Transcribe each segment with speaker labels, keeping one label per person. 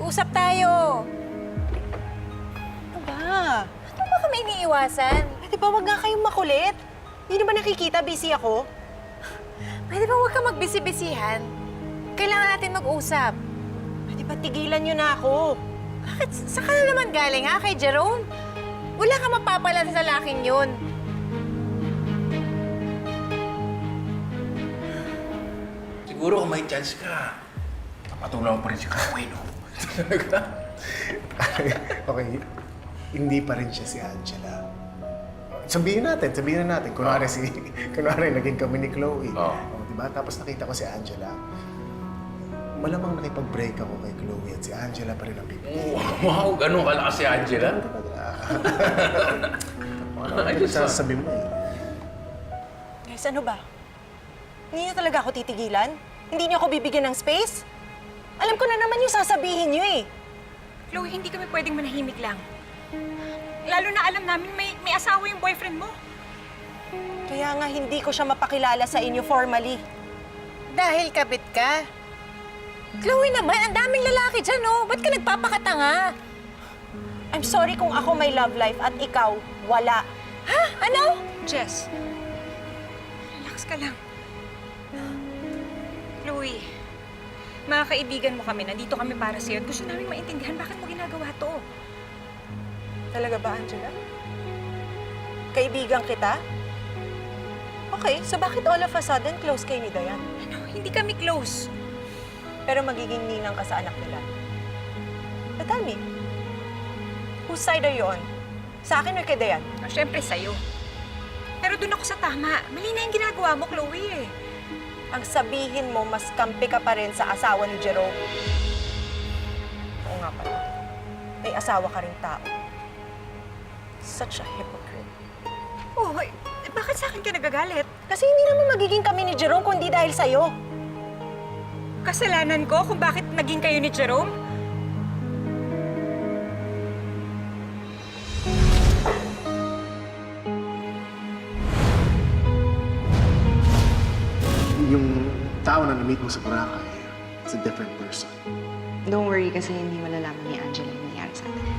Speaker 1: Mag-usap tayo.
Speaker 2: Ano ba?
Speaker 1: Ano ba kami iniiwasan?
Speaker 2: Pwede ba wag nga kayong makulit? Hindi na ba nakikita? Busy ako.
Speaker 1: Pwede ba huwag ka magbisi-bisihan? Kailangan natin mag-usap.
Speaker 2: Pwede ba tigilan niyo na ako?
Speaker 1: Bakit? Saan ka na naman galing, ha? Kay Jerome? Wala ka mapapala sa laking yun.
Speaker 3: Siguro kung may chance ka, papatulaw pa rin si Chloe, no?
Speaker 4: Okay, hindi pa rin siya si Angela. Sabihin na natin. Kunwari naging kami ni Chloe.
Speaker 3: Oo.
Speaker 4: Diba? Tapos nakita ko si Angela. Malamang nakipag-break ako kay Chloe at si Angela pa rin ang pipili.
Speaker 3: Wow, ganun kalakas si Angela.
Speaker 4: Ano yung sasabi mo eh?
Speaker 2: Guys, ano ba? Hindi niyo talaga ako titigilan? Hindi niyo ako bibigyan ng space? Alam ko na naman yung sasabihin niyo eh.
Speaker 5: Chloe, hindi kami pwedeng manahimik lang. Lalo na alam namin may asawa yung boyfriend mo.
Speaker 2: Kaya nga hindi ko siya mapakilala sa inyo formally.
Speaker 1: Dahil kabit ka. Chloe naman, ang daming lalaki dyan, oh. Ba't ka nagpapakatanga?
Speaker 2: I'm sorry kung ako may love life at ikaw, wala.
Speaker 1: Ha? Ano?
Speaker 5: Jess, relax ka lang. Chloe, mga kaibigan mo kami, nandito kami para sa'yo at gusto namin maintindihan bakit mo ginagawa to.
Speaker 2: Talaga ba, Angela? Kaibigan kita? Okay, so bakit all of a sudden close kayo ni Dayan?
Speaker 5: Ano, hindi kami close.
Speaker 2: Pero magiging ninang ka sa anak nila. But tell me, whose side are you on? Sa akin or kay Dayan?
Speaker 5: Oh, syempre sa'yo. Pero dun ako sa tama. Mali na yung ginagawa mo, Chloe eh.
Speaker 2: Ang sabihin mo, mas kampi ka pa rin sa asawa ni Jerome. Oo nga pala. May asawa ka rin tao. Such a hypocrite.
Speaker 5: Oh, bakit sa akin ka nagagalit?
Speaker 2: Kasi hindi naman magiging kami ni Jerome kung di dahil sa'yo.
Speaker 5: Kasalanan ko kung bakit naging kayo ni Jerome?
Speaker 4: Yung tao na na-meet mo sa Boracay, it's a different person.
Speaker 6: Don't worry kasi hindi malalaman ni Angela yung nangyari sa atin.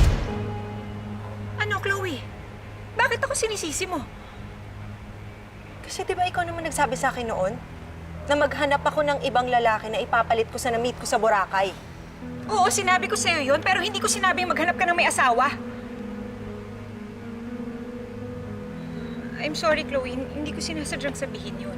Speaker 5: Ano, Chloe? Bakit ako sinisisi mo?
Speaker 2: Kasi di ba ikaw naman nagsabi sa akin noon na maghanap ako ng ibang lalaki na ipapalit ko sa na-meet ko sa Boracay?
Speaker 5: Oo, sinabi ko sa'yo yun, pero hindi ko sinabing maghanap ka ng may asawa. I'm sorry, Chloe. Hindi ko sinasadyang sabihin yun.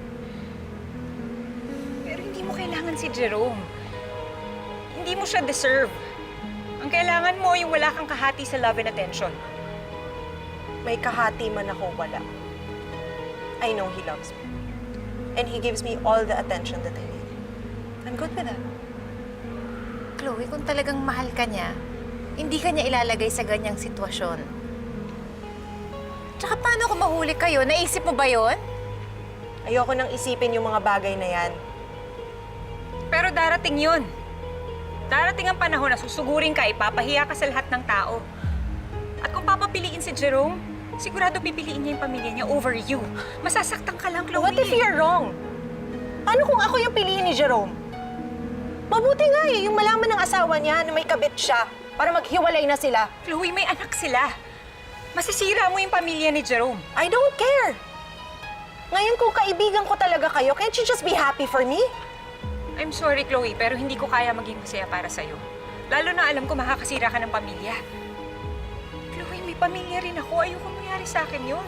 Speaker 5: Pero hindi mo kailangan si Jerome. Hindi mo siya deserve. Ang kailangan mo yung wala kang kahati sa love and attention.
Speaker 2: May kahati man ako, wala. I know he loves me. And he gives me all the attention that I need. I'm good with that.
Speaker 1: Chloe, kung talagang mahal ka niya, hindi ka niya ilalagay sa ganyang sitwasyon. Tsaka paano kung mahuli kayo? Naisip mo ba yon?
Speaker 2: Ayoko nang isipin yung mga bagay na yan.
Speaker 5: Pero darating yun. Darating ang panahon na susugurin ka, ipapahiya ka sa lahat ng tao. At kung papapiliin si Jerome, sigurado pipiliin niya yung pamilya niya over you. Masasaktan ka lang, Chloe.
Speaker 2: What if you're wrong? Paano kung ako yung piliin ni Jerome? Mabuti nga eh, yung malaman ng asawa niya na may kabit siya para maghiwalay na sila.
Speaker 5: Chloe, may anak sila. Masisira mo yung pamilya ni Jerome.
Speaker 2: I don't care. Ngayon kung kaibigan ko talaga kayo, can't you just be happy for me?
Speaker 5: I'm sorry, Chloe, pero hindi ko kaya maging masaya para sa'yo. Lalo na alam ko makakasira ka ng pamilya. Chloe, may pamilya rin ako. Ayoko mangyari sa akin yun.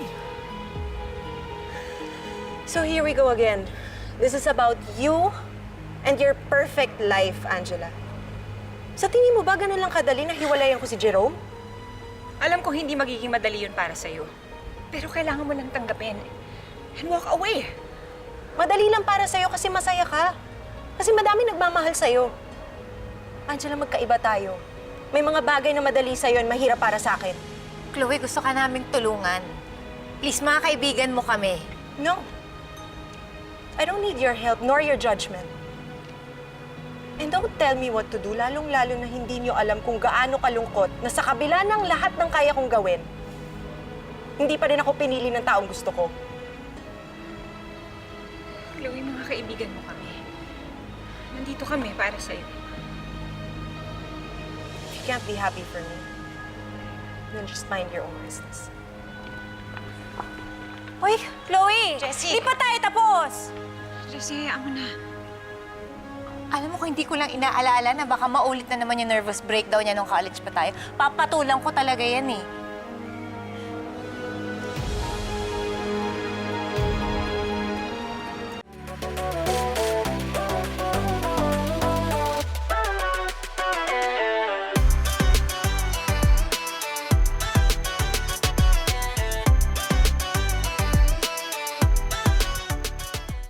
Speaker 2: So here we go again. This is about you and your perfect life, Angela. Sa tingin mo ba ganun lang kadali na hiwalayan ko si Jerome?
Speaker 5: Alam ko hindi magiging madali yun para sa'yo. Pero kailangan mo lang tanggapin. And walk away.
Speaker 2: Madali lang para sa'yo kasi masaya ka. Kasi madami nagmamahal sa'yo. Angela, magkaiba tayo. May mga bagay na madali sa'yo at mahirap para sa akin.
Speaker 1: Chloe, gusto ka naming tulungan. Please, mga kaibigan mo kami.
Speaker 2: No. I don't need your help nor your judgment. And don't tell me what to do, lalong-lalo na hindi niyo alam kung gaano kalungkot na sa kabila ng lahat ng kaya kong gawin, hindi pa rin ako pinili ng taong gusto ko.
Speaker 5: Chloe, mga kaibigan mo kami. Nandito kami para sa'yo.
Speaker 2: you can't be happy for me, then just mind your own business.
Speaker 1: Hoy, Chloe!
Speaker 5: Jessie!
Speaker 1: Di pa tayo tapos!
Speaker 5: Jessie, hayaan mo na.
Speaker 1: Alam mo, kung hindi ko lang inaalala na baka maulit na naman yung nervous breakdown niya nung college pa tayo, papatulang ko talaga yan eh.